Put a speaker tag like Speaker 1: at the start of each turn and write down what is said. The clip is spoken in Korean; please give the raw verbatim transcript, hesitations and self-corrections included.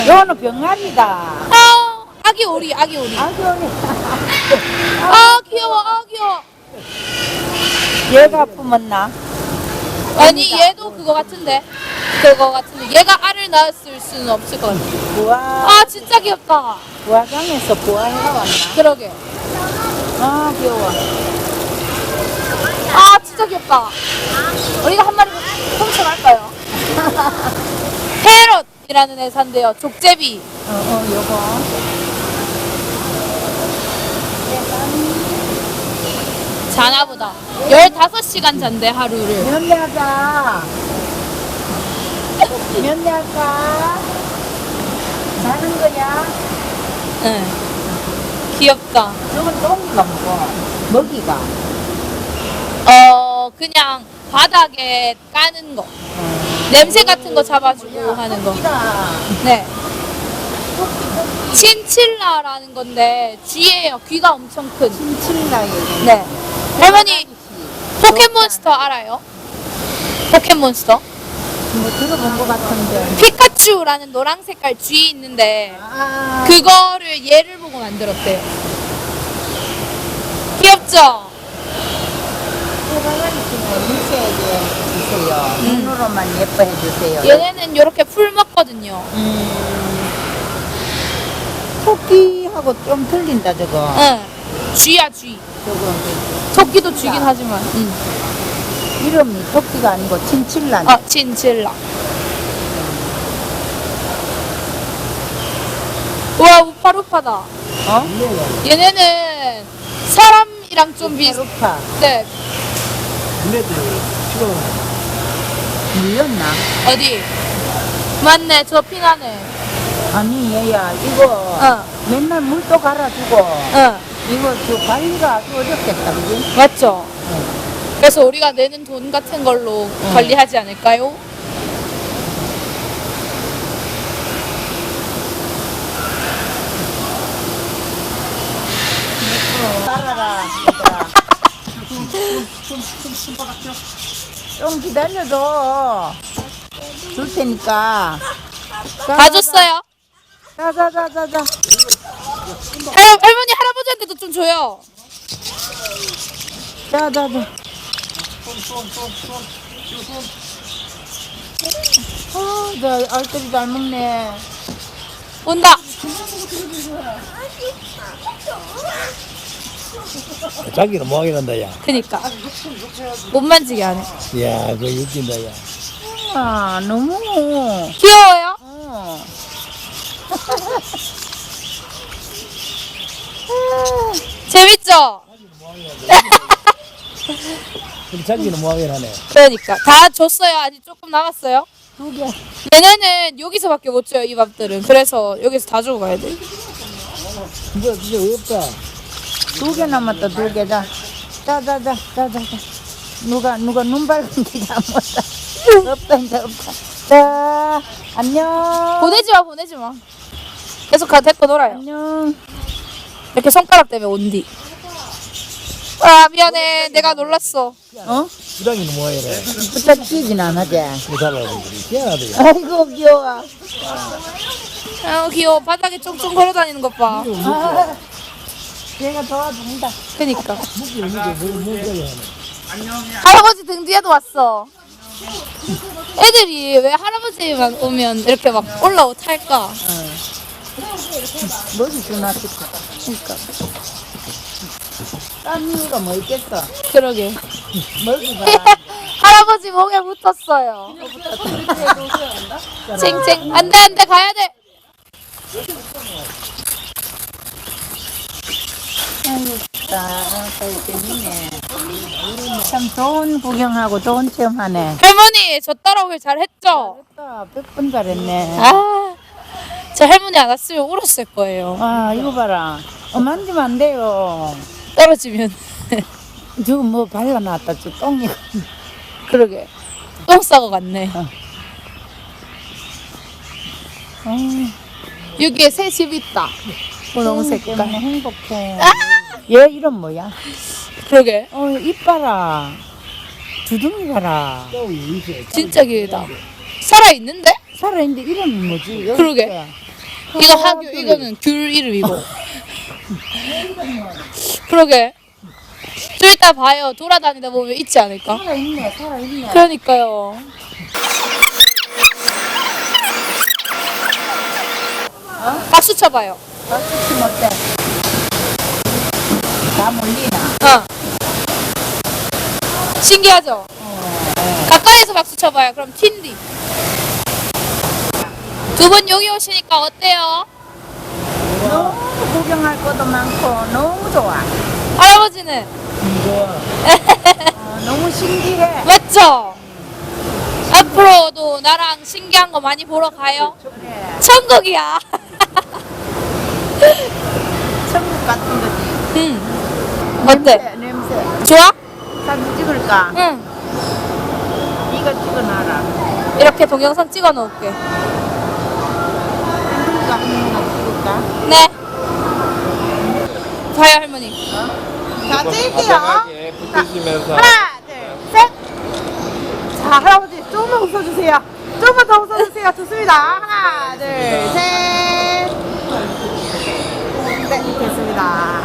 Speaker 1: 요거는 병아리다.
Speaker 2: 아, 아기 오리, 아기 오리.
Speaker 1: 아기 오리.
Speaker 2: 아, 귀여워, 아, 귀여워.
Speaker 1: 얘가 품었나?
Speaker 2: 아니, 얘도 그거 같은데. 그거 같은데. 얘가 알을 낳았을 수는 없을 것 같아.
Speaker 1: 부화,
Speaker 2: 아, 진짜 귀엽다.
Speaker 1: 부화장에서 부화해가 왔나?
Speaker 2: 그러게.
Speaker 1: 아, 귀여워.
Speaker 2: 아, 진짜 귀엽다. 우리가 한 마리 훔쳐갈까요? 페럿이라는 회사인데요. 족제비.
Speaker 1: 어, 어, 요거.
Speaker 2: 자나보다. 열다섯 시간 잔대, 하루를.
Speaker 1: 면대할까? 면대할까? 자는 거야?
Speaker 2: 응. 귀엽다.
Speaker 1: 저건 똥이가 뭐고? 먹이가.
Speaker 2: 어, 그냥 바닥에 까는 거. 냄새 같은 거 잡아주고 하는 거.
Speaker 1: 토끼다.
Speaker 2: 네. 친칠라라는 건데, 쥐예요. 귀가 엄청 큰.
Speaker 1: 친칠라 얘기.
Speaker 2: 네. 할머니, 포켓몬스터 알아요? 포켓몬스터?
Speaker 1: 뭐 들어본 것 같은데.
Speaker 2: 피카츄라는 노랑 색깔 쥐 있는데,
Speaker 1: 아,
Speaker 2: 그거를 얘를 보고 만들었대요. 귀엽죠?
Speaker 1: 해바라기 중에 미세하게 주세요. 눈으로만 예뻐해 주세요.
Speaker 2: 얘네는 이렇게 풀 먹거든요.
Speaker 1: 음, 토끼하고 좀 틀린다 저거.
Speaker 2: 응. 쥐야, 쥐.
Speaker 1: 저거
Speaker 2: 토끼도 쥐긴 하지만. 응.
Speaker 1: 이름이 토끼가 아니고 친칠라.
Speaker 2: 아, 친칠라. 우와, 우파루파다.
Speaker 1: 어?
Speaker 2: 얘네는 사람이랑 좀 비슷.
Speaker 1: 루파.
Speaker 2: 네.
Speaker 1: 물렸나?
Speaker 2: 어디? 맞네, 저 피나네.
Speaker 1: 아니 얘야 이거
Speaker 2: 어.
Speaker 1: 맨날 물도 갈아주고
Speaker 2: 응.
Speaker 1: 이거 저 관리가 아주 어렵겠다 그지?
Speaker 2: 맞죠? 그래서 우리가 내는 돈 같은 걸로 관리하지 않을까요?
Speaker 1: 따라라. 좀 기다려도 줄 테니까.
Speaker 2: 다 줬어요.
Speaker 1: 자자자자자.
Speaker 2: 할, 할머니, 할아버지한테도 좀 줘요.
Speaker 1: 자자자. 아, 나 알뜰히 잘 먹네.
Speaker 2: 온다.
Speaker 3: 자기는 뭐하게 난다, 야.
Speaker 2: 그니까. 못 만지게 하네.
Speaker 3: 야, 그거 웃긴다, 야.
Speaker 1: 아, 너무.
Speaker 2: 귀여워요?
Speaker 1: 어.
Speaker 2: 재밌죠?
Speaker 3: 근데 자기는 뭐하게 나네.
Speaker 2: 그러니까. 다 줬어요? 아직 조금 남았어요?
Speaker 1: 두 개.
Speaker 2: 얘네는 여기서밖에 못 줘요, 이 밥들은. 그래서 여기서 다 주고 가야 돼.
Speaker 3: 이거 진짜 어렵다.
Speaker 1: 두 개 남았다, 두 개. 자, 자자자, 자자자. 누가, 누가 눈 밝은 게 잘못다. 없다, 이제 없다. 자, 안녕.
Speaker 2: 보내지 마, 보내지 마. 계속 가, 데리고 놀아요.
Speaker 1: 안녕.
Speaker 2: 이렇게 손가락 때문에 온디. 아, 미안해. 내가 놀랐어.
Speaker 1: 어?
Speaker 3: 부당이는 뭐하게 래
Speaker 1: 부탁지진 않아지?
Speaker 3: 그거 달라고. 희한하다, 야.
Speaker 1: 아이고, 귀여워.
Speaker 2: 아, 귀여워. 바닥에 쫑쫑 걸어 다니는 것 봐.
Speaker 1: 아, 얘가 도와준다.
Speaker 2: 그니까.
Speaker 3: 묵기를 묵게, 묵, 묵게 하네.
Speaker 2: 할아버지 등 뒤에도 왔어. 애들이 왜 할아버지만 오면 이렇게 막 올라오 탈까?
Speaker 1: 뭐지, 주나 싶어.
Speaker 2: 그니까.
Speaker 1: 딴 이유가 뭐 있겠어?
Speaker 2: 그러게.
Speaker 1: 먹이가.
Speaker 2: 할아버지 목에 붙었어요. 챙챙. 안 돼, 안 돼. 가야 돼.
Speaker 1: 아이고, 아, 재밌네. 참 좋은 구경하고 좋은 체험하네.
Speaker 2: 할머니, 저 따라오길 잘했죠?
Speaker 1: 잘했다. 백 번 잘했네.
Speaker 2: 아, 저 할머니 안 왔으면 울었을 거예요.
Speaker 1: 아, 이거 봐라. 어, 만지면 안 돼요.
Speaker 2: 떨어지면.
Speaker 1: 저거 뭐 발라놨다, 저 똥이.
Speaker 2: 그러게. 똥 싸고 갔네.
Speaker 1: 어,
Speaker 2: 여기에 새 집 있다. 분홍색
Speaker 1: 때문에
Speaker 2: 깔.
Speaker 1: 행복해. 얘 이름 뭐야?
Speaker 2: 그러게.
Speaker 1: 어, 입 봐라. 주둥이 봐라.
Speaker 2: 진짜 길다. 살아있는데?
Speaker 1: 살아있는데 이름이 뭐지? 여기
Speaker 2: 그러게.
Speaker 1: 있어.
Speaker 2: 이거 하규, 이거는 귤 이름이고. 그러게. 좀 이따 봐요. 돌아다니다 보면 있지 않을까?
Speaker 1: 살아있네, 살아있네.
Speaker 2: 그러니까요. 박수 쳐봐요.
Speaker 1: 박수 치면 어때? 다 몰리나?
Speaker 2: 어. 신기하죠? 가까이서 박수 쳐봐요. 그럼 튄디. 두 분 여기 오시니까 어때요?
Speaker 1: 너무 구경할 것도 많고 너무 좋아.
Speaker 2: 할아버지는?
Speaker 3: 좋아.
Speaker 1: 어, 너무 신기해.
Speaker 2: 맞죠? 앞으로도 나랑 신기한 거 많이 보러 가요?
Speaker 1: 그래.
Speaker 2: 천국이야.
Speaker 1: 천국 같은 거지.
Speaker 2: 응. 어때?
Speaker 1: 냄새, 냄새.
Speaker 2: 좋아?
Speaker 1: 사진 찍을까?
Speaker 2: 응.
Speaker 1: 이거 찍어놔라.
Speaker 2: 이렇게 동영상 찍어 놓을게.
Speaker 1: 이거 한번 찍을까?
Speaker 2: 네. 봐요, 할머니.
Speaker 1: 자, 찍을게요.
Speaker 4: 건강하게 붙으시면서
Speaker 1: 하나, 둘, 셋. 자, 할아버지 조금만 웃어주세요. 조금만 더 웃어주세요. 좋습니다. 하나, 둘, 셋. 네, 됐습니다.